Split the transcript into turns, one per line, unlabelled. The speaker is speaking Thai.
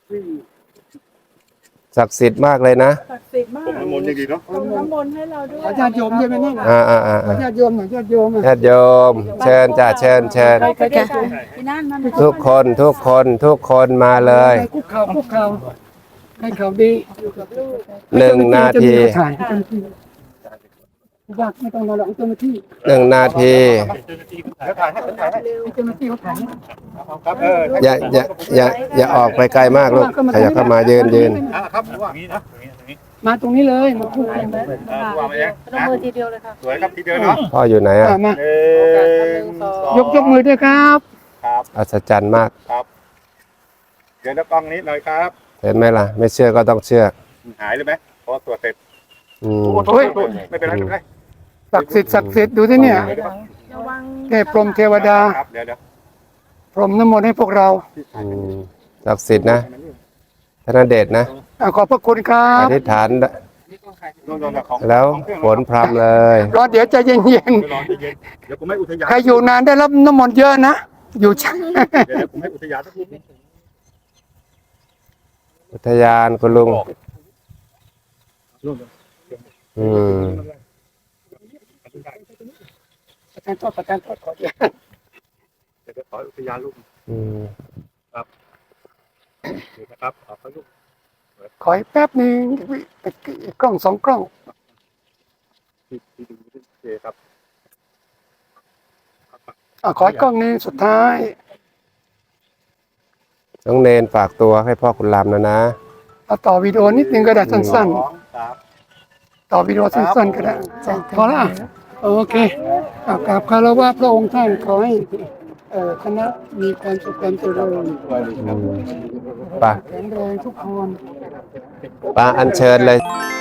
ศักดิ์สิทธิ์มากเลยนะ
ศักดิ์สิทธิ์มาก
ผมน้ำมนต์ยังดีเนาะ
ตรงน้ำมนต์ให้เราด้วย
ญาติโยมใช่ไหมนี่ญาติโยมหน่อยญาติโยม
ญาติโยมเชิญจ้าเชิญ
ที่นั่นมัน
ทุกคนมาเลย
คุกเข่าให้เขาดี
1 นาที
ไม่ต้องมาหลอกเจ้าหน้าที่
1 นาที
เจ้าหน้าที่เขาถ่าย
ครับ
อย่าออกไปไกลมากลูกขยับเข้ามายืน
ครับว่านี้นะ
มาตรงนี้เลยมาพูดกัน
วางไปยัง
ลงมือทีเดียวเลยค่ะ
สวยครับทีเดียวเนาะ
พ่ออยู่ไหนอ่ะ
มายกมือด้วยครับ
ครับ
อัศจรรย์มาก
ครับเดี๋ยวกล้องนี้หน่อยครับ
เห็นไหมล่ะไม่เชื่อก็ต้องเชื่อ
หายเลยไหมพอตรวจเสร็จ
โอ้ย
ไม่เป็นไรไม่เป็นไร
ศักดิ์สิทธิ์ดูที่เนี่ยเทพพรหมเทวดา
เดี๋ยว
พรหมน้ำมนต์ให้พวกเรา
ศักดิ์สิทธิ์นะธนเดชนะ
ขอบพระคุณครับ
อธิษฐานแล้วฝนพรำเลย
รอเดี๋ยวใจเย็น
เดี๋ยวผมให้อุทยาน
ใครอยู่นานได้รับน้ำมนต์เยอะนะอยู่ชั้น
เดี๋ยวผมให้อุทยานสักที
อุทยานคุณลุง
ประการโทษขอเดี๋ยว
จะขออุทยานลูกครับนะครับขอลูก
ขอแป๊บนึงกล้อง2 กล้อง
ครับ
ขอกล้องนึงสุดท้าย
น้องเนนฝากตัวให้พ่อคุณลำนะ
ต่อวิดีโอนิดนึงก็ได้สั้นๆต่อวิดีโอสั้นๆก็ได้พอละโอเคกราบคารวะพระองค์ท่านขอให้คณะมีความสุขความเจริญ
ป่ะ
แข็งแรงทุกคน
ป่ะอัญเชิญเลย